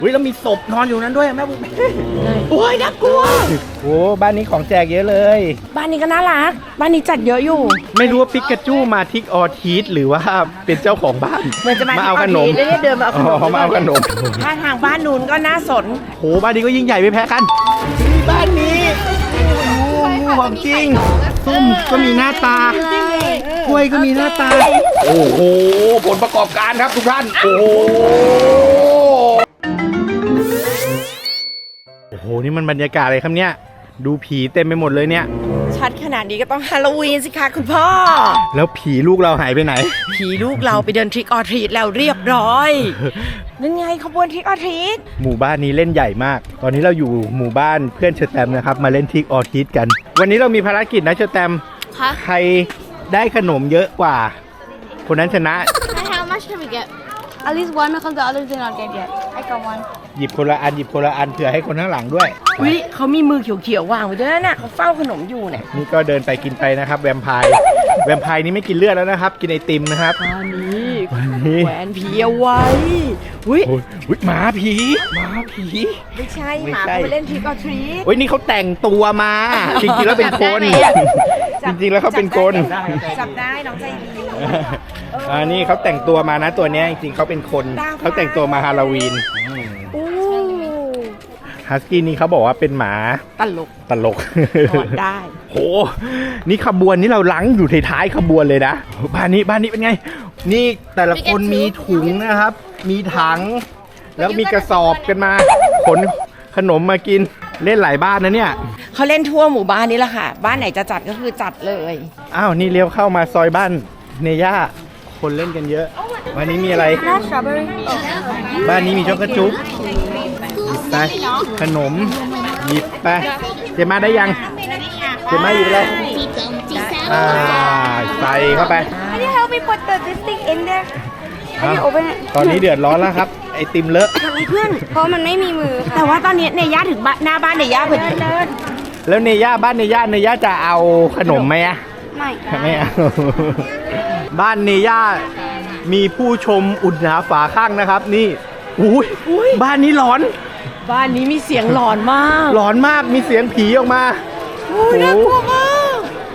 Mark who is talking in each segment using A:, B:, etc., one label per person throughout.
A: อุ้ยแล้วมีศพนอนอยู่นั้นด้วยแม่บุ๊คโอ้ยน่ากลัวโอ้บ้านนี้ของแจกเยอะเลย
B: บ้านนี้ก็น่ารักบ้านนี้จัดเยอะอยู่
A: ไม่รู้ว่าปิกาจูมาทิกออทีสหรือว่าเป็นเจ้าของบ้าน
B: เหมือนจะมา
A: เอาขนม
B: เดินมาเอาขนม
A: มาเอาขนม
B: ถ้าทางบ้านนู้นก็น่าสน
A: โหบ้านนี้ก็ยิ่งใหญ่ไม่แพ้กันบ้านนี้ของจริงส้มก็มีหน้าตากล้วยก็มีหน้าตาโอ้โหผลประกอบการครับทุกท่านโอ้โหนี่มันบรรยากาศอะไรครับเนี่ยดูผีเต็มไปหมดเลยเนี่ย
B: ชัดขนาดนี้ก็ต้องฮาโลวีนสิคะคุณพ่อ
A: แล้วผีลูกเราหายไปไหน
B: ผีลูกเราไปเดินทริกออทรีตแล้วเรียบร้อยนั่นไงขบวนทริกออทรีต
A: หมู่บ้านนี้เล่นใหญ่มากตอนนี้เราอยู่หมู่บ้านเพื่อนเชอร์แตมนะครับมาเล่นทริกออทรีตกันวันนี้เรามีภารกิจนะเชอร์แตมใครได้ขนมเยอะกว่าคนนั้นชนะ
C: How much can we get? At least one because the others did not get yet. I got one.
A: หยิบคนละอันเผื่อให้คนข้างหลังด้วย
B: วิเขามีมือเขียวๆวางไว้ด้วยนะเขาเฝ้าขนมอยู่เนี่ย
A: นี่ก็เดินไปกินไปนะครับแวมไพร์นี่ไม่กินเลือดแล้วนะครับกินไอติมนะครับ
B: วันนี้แหวนผีเอาไว้
A: วิหมาผี
B: ไม่ใช่หมาเขาไปเล่นทริกออทรีต
A: นี่เขาแต่งตัวมาจริงๆแล้วเป็นคนจริงๆแล้วเขาเป็นคน
B: จับได้น้องใจดี
A: นี่เขาแต่งตัวมานะตัวนี้จริงๆเขาเป็นคนเขาแต่งตัวมาฮาโลวีนฮัสกี้นี่เขาบอกว่าเป็นหมาตลก
B: ได้
A: โหนี่ขบวนนี้เราลังอยู่ท้ายขบวนเลยนะบ้านนี้เป็นไงนี่แต่ละคนมีถุงนะครับมีถังแล้วมีกระสอบกันมาขนขนมมากินเล่นหลายบ้านนะเนี่ย
B: เขาเล่นทั่วหมู่บ้านนี้แหละค่ะบ้านไหนจะจัดก็คือจัดเลย
A: อ้าวนี่เลี้ยวเข้ามาซอยบ้านเนย่าคนเล่นกันเยอะวันนี้มีอะไรบ้านนี้มีช็อกโกจุ๊บไปขนมหยิบไปเจม่าได้ยังเจม่าหยิบเลยใส่เข้าไป
C: Can you help me put this thing in there? Can you open it?
A: ตอนนี้เดือดร้อนแล้วครับไอติมเลอะ
B: เพื่อน
C: เพราะมันไม่มีมือ
B: แต่ว่าตอนนี้เนย่าถึงหน้าบ้านเนย่าพอดี
A: แล้วเนย่าบ้านเนย่าจะเอาขนมไหมอะไม่เอาบ้านเนย่ามีผู้ชมอุดหนาฝาข้างนะครับนี่อุ้ยบ้านนี้หลอน
B: บ้านนี้มีเสียงหลอนมาก
A: มีเสียงผีออกมา
B: น่ากลัวมาก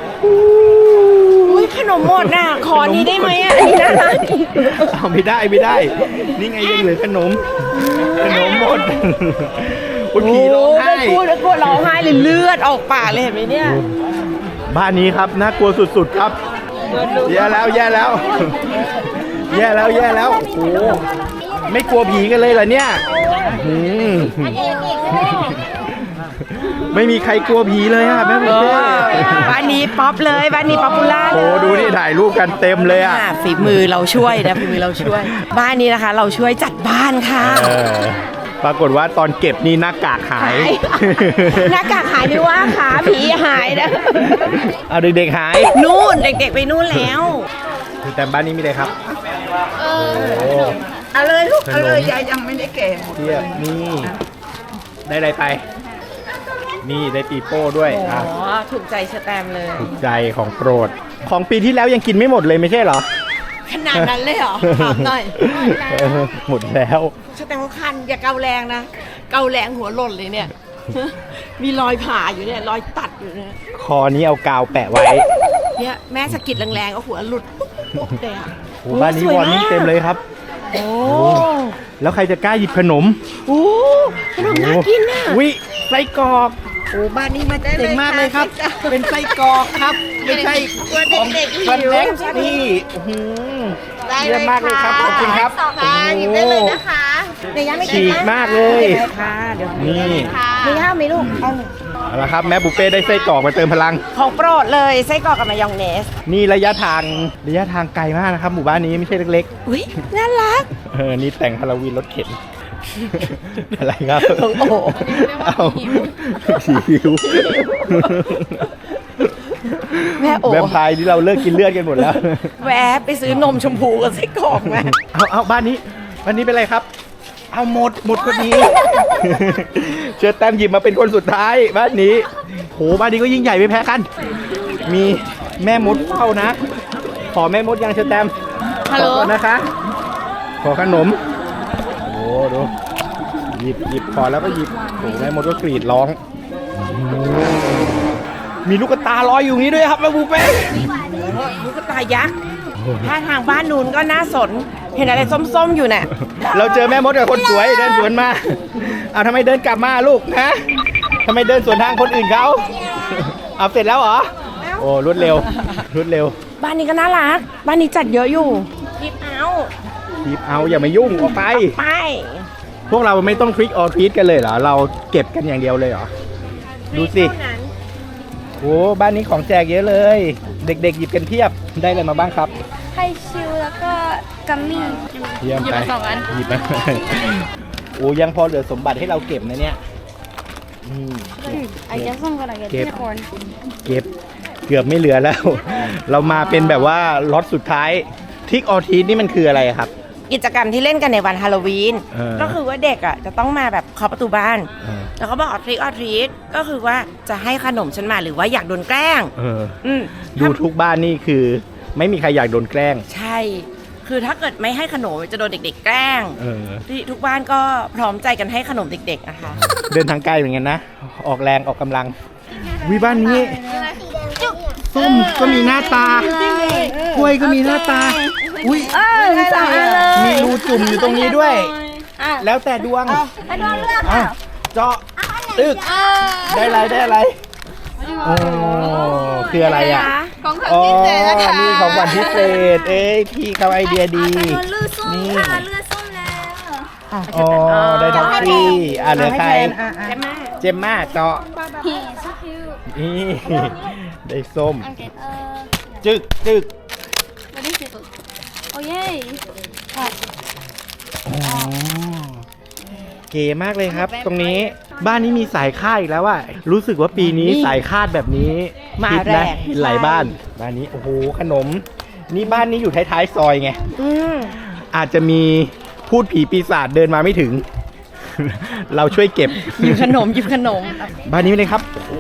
B: ขนมหมดน่ะขอนี้ได้ไหมอ่ะนี่นะ
A: เอาไม่ได้นี่ไงยังเหลือขนมหมดผีร้องไห้
B: กลัวร้องไห้เลยเลือดออกปากเลยเห็นไหมเนี่ย
A: บ้านนี้ครับน่ากลัวสุดๆครับแย่แล้วโอ้ไม่กลัวผีกันเลยเหรอเนี่ยไม่มีใครกลัวผีเลยอะแม่บุ๊ค
B: บ้านนี้ป๊อปเลยบ้านนี้ป๊อปปูล่า
A: โอ้ดูนี่ถ่ายรูปกันเต็มเลยอะ
B: ฝีมือเราช่วยบ้านนี้นะคะเราช่วยจัดบ้านค่ะ
A: ปรากฏว่าตอนเก็บนี่หน้ากากหาย
B: ไม่ว่าขาผีหายนะ
A: เอาเด็กๆหาย
B: นู่นเด็กๆไปนู่นแล้ว
A: แต่บ้านนี้มีอะไรครับ
B: เอาเลยลูกเอาเลยยายยังไม่ได้เก็บ
A: เทียบนี่ได้อะไรไปนี่ได้ปีโป้ด้วย
B: ถูกใจสแตมเลย
A: ถูกใจของโปรดของปีที่แล้วยังกินไม่หมดเลยไม่ใช่เหรอ
B: ขนาดนั้นเลยเหรอถามหน่อย
A: หมดแล้ว
B: สแตมเขาคันอย่าเกาแรงนะเกาแรงหัวหล่นเลยเนี่ยมีรอยผ่าอยู่เนี่ยรอยตัดอยู่เนี่ย
A: คอนี้เอากาวแปะไว้
B: เนี่ยแม่สะกิดแรงๆเอาหัวหลุดปุ๊บเลยอ่ะ
A: บ้านนี้วอนนี่เต็มเลยครับ
B: โอ้
A: แล้วใครจะกล้าหยิบขนม
B: ขนมน่ากินน่ะ
A: ไส้กรอก
B: บ้านนี้มาได้
A: เจ๋งมากเลยครับเป็นไส้กรอกครับไม่ใช่ของเด็กนี่เยี่ยมมากเลยครับขอบคุณครับ
C: หยิบได้เลยนะคะ
B: เนย่าไม่
A: ฉีกมากเลย
B: ค่ะเดี๋ยว
A: นี่
B: เนย่าไหมลูก
A: เอาละครับแม่บุฟเป้ได้ไส้กรอกมาเติมพลัง
B: ของโปรดเลยไส้กรอกกับมายองเนส
A: นี่ระยะทางไกลมากนะครับหมู่บ้านนี้ไม่ใช่เล็ก
B: ๆอุ้ยน่ารัก
A: นี่แต่งฮาโลวีนรถเข็นอะไรครับเอาหิว
B: แม่โอ้
A: แวมไพร์ที่เราเลิกกินเลือดกันหมดแล้ว
B: แวะไปซื้อนมชมพูกับไส้กรอกมา
A: เอาบ้านนี้เป็นไรครับเอาหมดคนนี้เชิญแต้มหยิบมาเป็นคนสุดท้ายบ้านนี้โหบ้านนี้ก็ยิ่งใหญ่ไม่แพ้กันมีแม่มดเฝ้านะขอแม่มดยังเชิญแต้ม
B: ฮัลโหล
A: นะคะขอขนมโอ้ดูหยิบพอแล้วก็หยิบโอ้แม่มดก็กรีดร้องมีลูกตาลอยอยู่นี้ด้วยครับแม่บูเป้
B: ลูกตายักษ์ถ้าทางบ้านนู้นก็น่าสน เห็นอะไรส้มๆอยู่เนี่ย
A: เราเจอแม่มดกับคนสวยเดินสวนมาเอาทำไมเดินกลับมาลูกนะทำไมเดินสวนทางคนอื่นเขาเอาเสร็จแล้วเหรอโอ้รวดเร็ว
B: บ้านนี้ก็น่ารัก บ้านนี้จัดเยอะอยู่คิดเอา
A: หยิบเอาอย่ามายุ่งออกไป
B: ไป
A: พวกเราไม่ต้องทริกออทรีตกันเลยเหรอเราเก็บกันอย่างเดียวเลยเหรอดูสิโอ้บ้านนี้ของแจกเยอะเลย เด็กๆหยิบกันเพียบได้อะไรมาบ้างครับ
C: ไฮชิลแล้วก็กัมมี่
A: เยี่ยมไปหยิบมาโอ้ยังพอเหลือสมบัติให้เราเก็บนะเนี่ย
C: I guess I'm gonna get unicorn
A: เก็บเกือบไม่เหลือแล้ว เรามาเป็นแบบว่าล็อตสุดท้ายทริกออทรีตนี่มันคืออะไรครับ
B: กิจกรรมที่เล่นกันในวันฮาโลวีน
A: เออ
B: ก็คือว่าเด็กอ่ะจะต้องมาแบบเคาะประตูบ้าน
A: เออ
B: แล้วเขาบอกทริคออทรีตก็คือว่าจะให้ขนมฉันมาหรือว่าอยากโดนแกล้ง อืม
A: ดูทุกบ้านนี่คือไม่มีใครอยากโดนแกล้ง
B: ใช่ คือถ้าเกิดไม่ให้ขนมจะโดนเด็กๆแกล้ง ที่ทุกบ้านก็พร้อมใจกันให้ขนมเด็กๆนะคะ
A: เดินทางไกลเหมือนกันนะออกแรงออกกำลังวิบ้านนี้ส้มก็มีหน้าตากล้วยก็มีหน้าตาอุ้ย
C: สองอันเลย
A: มีรูจุ่มอยู่ตรงนี้ด้วย แล้วแต่ดวง
C: ไอ้ดวงเลือก
A: อ่ะเจาะตึกได้อะไรโอ้คืออะไรอ่ะ
C: ของขวัญ
A: อ๋อ
C: พิเศษนะคะ
A: มีของขวัญพิเศษเอ้ยพี่เขาไอเดียดี
C: โดนลือส้ม
A: นี่
C: ค่ะเลือดส้มแล้ว
A: อ๋อได้ท็อฟฟี่เหลือใคร
B: ใช่ไหม
A: เจมม่าเจาะ
C: He's so cute
A: นี่ได้ส้ม
C: Okay
A: จึก
C: what is this oh yay
A: อ๋อเก๋มากเลยครับ ตรงนี้บ้านนี้มีสายคาดอีกแล้วอ่ะรู้สึกว่าปีนี้สายคาดแบบนี้
B: มา
A: ฮิต
B: แร
A: นะ
B: ก
A: ฮิตหลายบ้านนี้โอ้โหขนม นี่บ้านนี้อยู่ท้ายๆซอยไง
B: อืม
A: อาจจะมีพูดผีปีศาจเดินมาไม่ถึง เราช่วยเก็บ
B: หยิบขนมหยิบขนม
A: บ้านนี้เลยครับโอ้โห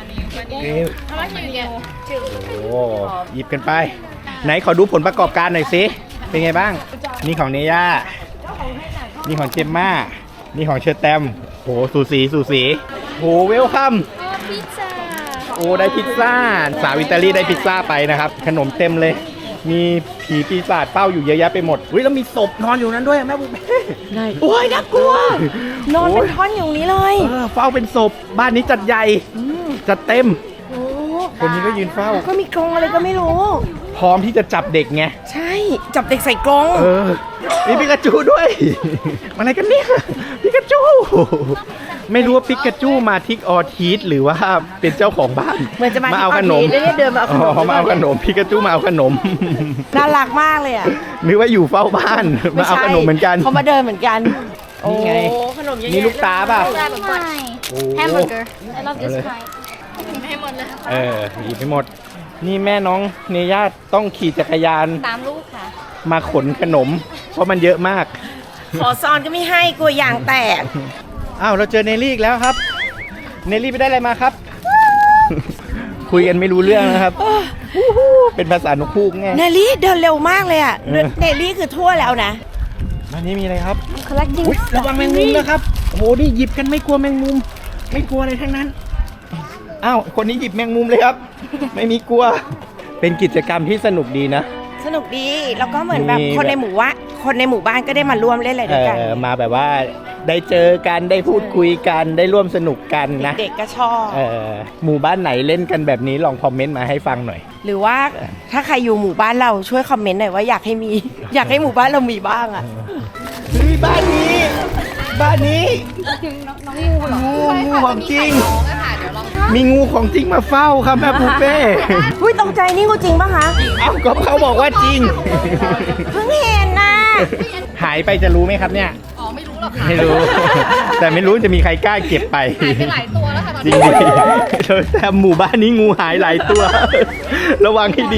A: โอ้หยิบกันไป ไหนขอดูผลประกอบการหน่อยสิเป็นไงบ้างนี่ของเนย่านี่ของเจมม่านี่ของเชอร์แตมโหสูสีโหเวลคัม
C: พิซซ่า
A: โอ้ได้พิซซ่าสาวอิตาลีได้พิซซ่าไปนะครับ ขนมเต็มเลย มีผีปีศาจเฝ้าอยู่เยอะแยะไปหมดอุ้ยแล้วมีศพนอนอยู่นั้นด้วยแม่บุ๊ค
B: โอ้ยน่ากลัว นอนเป็นท่อนอยู่นี้เลย
A: เฝ้าเป็นศพบ้านนี้จัดใหญ่จัดเต็ม
B: โอ้
A: คนนี้ก็ยืนเฝ้า
B: ก็มีกรงอะไรก็ไม่รู้
A: พร้อมที่จะจับเด็กไง
B: ใช่ จับเด็กใส่กรง
A: มีปิกาจูด้วย อะไรกันเนี่ยปิกาจู ไม่รู้ว่าปิกาจูมาทิกออทีสหรือว่าเป็นเจ้าของบ้าน
B: เหมือนจะมา
A: เอาขนม
B: ที่เดินมาเอาขนม
A: มาเอาขนมปิกาจูมาเอาขนม
B: น่ารักมากเลยอ่ะ
A: นึกว่าอยู่เฝ้าบ้านมาเอาขนมเหมือนกัน
B: เขามาเดินเหมือนกัน
A: นี่ไง
B: โอ้ขนมเยอะแยะ
A: นี่ลูกตาป่ะ โอ้
C: hamburger I love this
A: เอาเลย
C: kind ให้หมดเลย
A: หยิบไปหมด นี่แม่น้องเนย่าต้องขี่จักรยาน
C: 3 ลูกค่ะ
A: มาขนขนม เพราะมันเยอะมาก
B: ขอซอนก็ไม่ให้กลัวยางแตก
A: อ้าวเราเจอเนลลี่อีกแล้วครับ เนลลี่ไปได้อะไรมาครับ คุยกันไม่รู้เรื่องนะครับ เป็นภาษานกฮูกไง
B: เนลลี่เดินเร็วมากเลยอ่ะ เนลลี่คือทั่วแล้วนะ
A: วันนี้มีอะไรครับ
C: I'm collecting
A: อุ๊ยระวังแมงมุมนะครับ โอ้โห นี่หยิบกันไม่กลัวแมงมุม ไม่กลัวอะไรทั้งนั้น อ้าว คนนี้หยิบแมงมุมเลยครับ ไม่มีกลัว เป็นกิจกรรมที่สนุกดีนะ
B: สนุกดี แล้วก็เหมือนแบบ
A: มี
B: คนในหมู่บ้านก็ได้มาร่วมเล่นอะไรด้วยกัน
A: มาแบบว่าได้เจอกันได้พูดคุยกันได้ร่วมสนุกกันนะ
B: เด็กๆก็ชอบ
A: หมู่บ้านไหนเล่นกันแบบนี้ลองคอมเมนต์มาให้ฟังหน่อย
B: หรือว่าถ้าใครอยู่หมู่บ้านเราช่วยคอมเมนต์หน่อยว่าอยากให้มี อยากให้หมู่บ้านเรามีบ้างอ่ะ
A: เฮ้ยบ้านนี้ บ้านนี้
C: น้องงูเหรอ
A: งูของจริง มีงูของจริงมาเฝ้าครับแม่ปูเป้
B: อุ้ยตกใจนี่งูจริงปะคะ
A: เอ้าก็เขาบอกว่าจริง
B: เพิ่งเห็นนะ
A: หายไปจะรู้ไหมครับเนี่ย
C: อ๋อ ไม่รู้หรอกค่ะ
A: ไม่รู้ แต่ไม่รู้จะมีใครกล้าเก็บไป
C: หายไปหลายตัวแล้วค่ะตอน
A: จริ
C: นี้
A: งดิแต่หมู่บ้านนี้งูหายหลายตัว ระวังให้ดี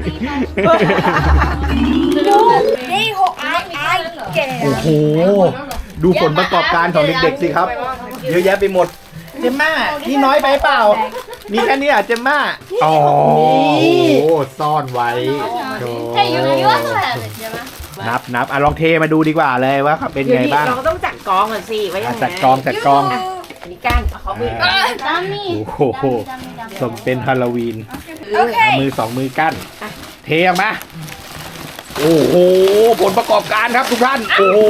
C: นี่หกไอ้แก่
A: โอ้โห ดูผลประกอบการของเด็กๆสิครับ เยอะแยะไปหมด เจมม่านี่น้อยไปเปล่า มีแค่นี้อ่ะเจมม่าอ๋อโอ้โหซ่อนไว้โธ่
C: Hey you also have it ใช่ไหม
A: นับอ่ะลองเทมาดูดีกว่าเลยว่าเป็นไงบ้าง
B: เราก็ต้องจัดกกองก่อนสิไว้ยังไง
A: จัดกองจัดกอง
B: อันนี้ก้านเอาเขามือ
C: Dummy.
A: โอ้โหสมเป็นฮาโลวีน เอามือสองมือกั้น เทออกมา โอ้โห ผลประกอบการครับทุกท่าน โอ้โห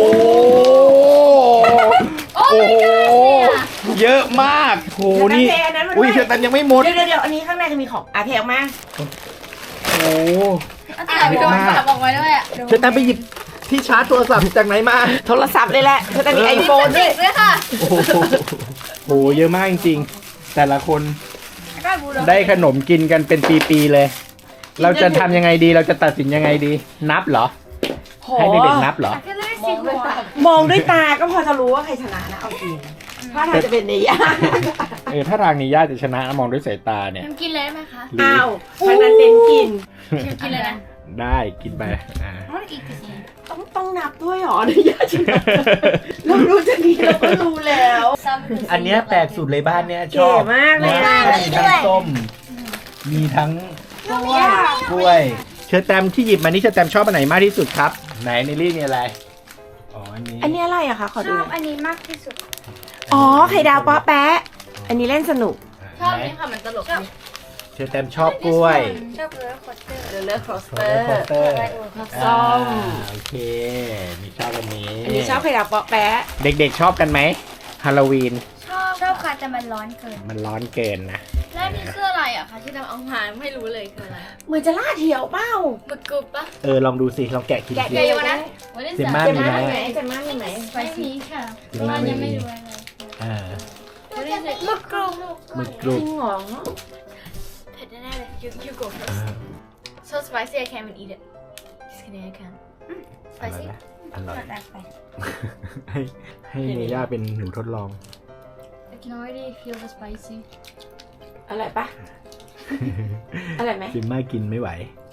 A: โอ้โห เยอะมาก โอ้โห นี่ อุ้ยเชอร์แตมยังไม่หมด
B: เดี๋ยวอันนี้ข้างในจะมีของเทออกมา
A: โอ้โห
C: เดี๋ยวฝากบอกไว้ด้วยอ่ะ
A: เชอร์แตมไปหยิบที่ชาร์จโทรศัพท์จากไหนมา
B: โทรศัพท์เลยแหละเธอจะมีไอโฟนด้วย
C: ด้วยค่ะ
A: โอ้โหโอ้โห เยอะมากจริงๆ แต่ละคนได้ขนมกินกันเป็นปีๆเลย เราจะทำยังไงดี เราจะตัดสินยังไงดี นับเหรอ ให้เด็กๆนับเหรอ
B: มองด้วยตาก็พอจะรู้ว่าใครชนะนะเอาจริงถ้าทางจะเป็นเนย่า
A: ถ้าทางนี้ญาติจะชนะมองด้วยสายตาเนี่ย
C: กินเลยได้ไหมคะ
A: หรื
B: อ้าวทางนั้นเน้นกิน
C: กินเลยนะ
A: ได้กินไปอ่า
C: I want to eat this one.
B: ต้องนับด้วยเหรอเนย่าชนะเรารู้จะนี้เราก็รู้แล้ว
A: อันเนี้ยแปลกสุดเลยบ้านเนี้ยชอบ
B: เก๋มากเลยอะ
A: มีทั้งส้ม มีทั้งกล้วย เชอร์แตมที่หยิบมานี่เชอร์แตมชอบอันไหนมากที่สุดครับ ไหนในรี่มีอะไร อ๋อ อันนี้
B: อันนี้อะไรอะคะขอ
C: ช
B: ดู
C: อ
B: ห
C: บ
B: น่อย
C: อันนี้มากที่สุด
B: อ๋อไข่ดาวป๊อแปะอันนี้เล่นสนุก
C: ชอบนี่ค่ะมันตลกดี
A: เชอร์แตมชอบกล้วย
C: ชอบเลยคอตเตอร์
B: เดลเลอร์ครอส
A: โร
B: เต
A: ล
B: อ
A: เลอร์โคส
B: ร์
A: เตอร์
B: ส้ม
A: โอเค มีชอบอันนี้
B: อันนี้ชอบไข่ดาวป๊อแปะ
A: เด็กๆชอบกันไหมฮาโลวีน
C: ชอบค่ะแต่มันร้อนเกิน
A: มันร้อนเกินนะ
C: แล้วนี่คืออะไรอ่ะคะที่ทำเอามาไม่รู้เลยคืออะไร
B: เหมือนจะล่าเถียวเป้า
C: บึกกรุบปะ
A: ลองดูสิ ลองแกะกิน
B: แกะ
A: สิ
B: เดียวนะ
C: วันนี้
A: เจมม่า
B: เจ
A: มี
B: ม่า
A: ไหม
B: มีไหมเจม่ามีไหม
C: ไม่มีค่ะ
A: เจมม่าไม่มี
C: รู้อะไร
A: อ่า
C: บึกกรุบ
A: หมึกกรุ
B: จ
A: บ
B: ริงเหรอ
C: เผ็ดแน่ๆเลย you go first so spicy I can't even eat it just kidding I can
A: อร่อย
C: spicy
A: ไหมอร่อย
C: แปลกไป
A: ให้เนย่าเป็นหนูทดลอง
C: I can already feel the spicy
B: อร่อยปะอร่อยไหม
A: จิมม่ากินไม่ไหว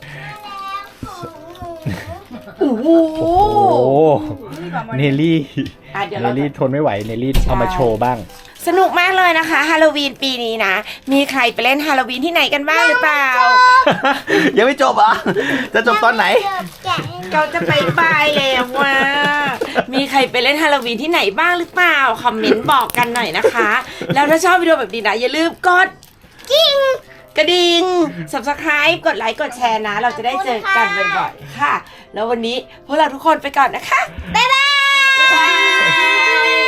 B: โอ้โห
A: โอ้โห เนลลี่
B: เดี๋ยว
A: เน
B: เรา
A: ลลี่ทนไม่ไหว เนลลี่เอามาโชว์บ้าง
B: สนุกมากเลยนะคะฮาโลวีนปีนี้นะ มีใครไปเล่นฮาโลวีนที่ไหนกันบ้างหรือเปล่า
A: ยังไม่จบเหรอ จะจบตอนไหน
B: เราจะไปแล้วว่า มีใครไปเล่นฮาโลวีนที่ไหนบ้างหรือเปล่า คอมเมนต์บอกกันหน่อยนะคะ แล้วถ้าชอบวิดีโอแบบนี้นะ อย่าลืมกดกิ้งกระดิ่ง subscribe กดไลค์กดแชร์นะ เราจะได้เจอกันบ่อยๆค่ะ แล้ววันนี้พวกเราทุกคนไปก่อนนะคะ บ๊ายบาย